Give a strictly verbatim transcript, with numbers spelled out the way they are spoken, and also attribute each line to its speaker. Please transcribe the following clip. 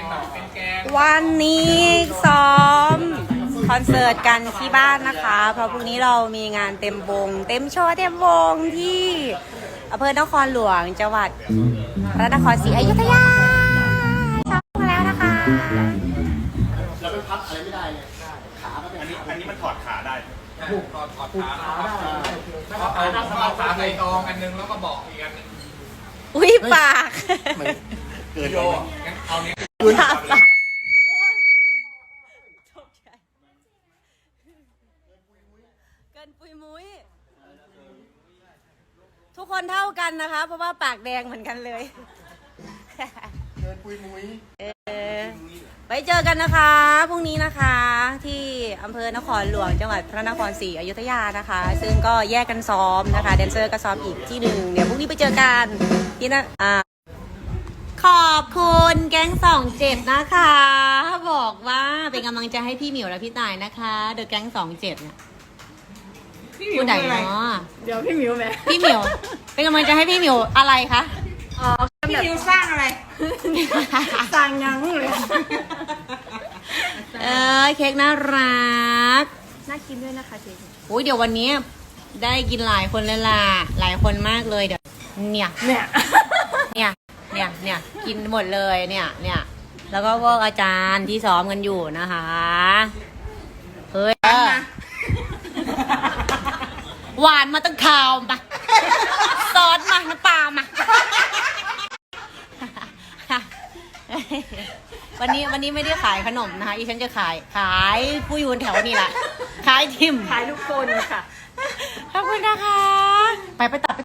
Speaker 1: แบบเป็นแกง
Speaker 2: วันนี้ซ้อมคอนเสิร์ตกันที่บ้านนะคะ เพราะพรุ่งนี้เรามีงานเต็มวง เต็มโชว์เต็มวงที่อำเภอนครหลวงจังหวัดพระนครศรีอยุธยาซ้อมมาแล้วนะคะ
Speaker 3: แล้วไปพักอะไรไม่ได้เลยขาก็เป็นอันนี้อันนี้มันถอดขาได้
Speaker 1: ผูกถอดถอดขาได้เอาเอาขาใส่กองอันนึงแล้วก็เบาะอีกอันนึง
Speaker 2: อุ้ยปาก
Speaker 3: เกิน
Speaker 1: โยงั้นเอาเนี้ย
Speaker 2: ปากปากเกินปุยมุ้ยทุกคนเท่ากันนะคะ เพราะว่าปากแดงเหมือนกันเลย
Speaker 3: เกินปุยมุ้ย
Speaker 2: เออไว้เจอกันนะคะพรุ่งนี้นะคะที่อำเภอนครหลวงจังหวัดพระนครศรีอยุธยานะคะ ซึ่งก็แยกกันซ้อมนะคะแดนเซอร์ก็ซ้อมอีกที่หนึ่งเดี๋ยวพรุ่งนี้ไปเจอกันที่นะอ่าขอบคุณแก๊งสองเจ็ดนะคะบอกว่าเป็นกำลังใจให้พี่หมิวและพี่ตายนะคะเดอะแก๊งสองเจ็ดเนี่ยผู้ใดเนาะ
Speaker 4: เดี๋ยวพี่มิวไหม
Speaker 2: พี่หมิวเป็นกำลังใจให้พี่หมิวอะไรคะ
Speaker 4: อ๋อพี่มิวสร้างอะไรสร้างยังเลย
Speaker 2: เออเค้กน่ารัก
Speaker 4: น่ากินด้วยนะคะเค้ก
Speaker 2: โอ้ยเดี๋ยววันนี้ได้กินหลายคนเลยล่ะหลายคนมากเลยเดี๋ยวเนี่ย
Speaker 4: เนี่ย
Speaker 2: เนี่ยเนี่ยเนี่ยกินหมดเลยเนี่ยเนี่ยแล้วก็พวกอาจารย์ที่ซ้อมกันอยู่นะคะเฮ้ยหวานมาตั้งข่าวมาซอสมาน้ำปลามาวันนี้วันนี้ไม่ได้ขายขนมนะคะอีฉันจะขายขายผู้อยู่แถวนี่แหละขายทิม
Speaker 4: ขายทุกคนค่ะ
Speaker 2: ขอบคุณนะคะไปไปตัด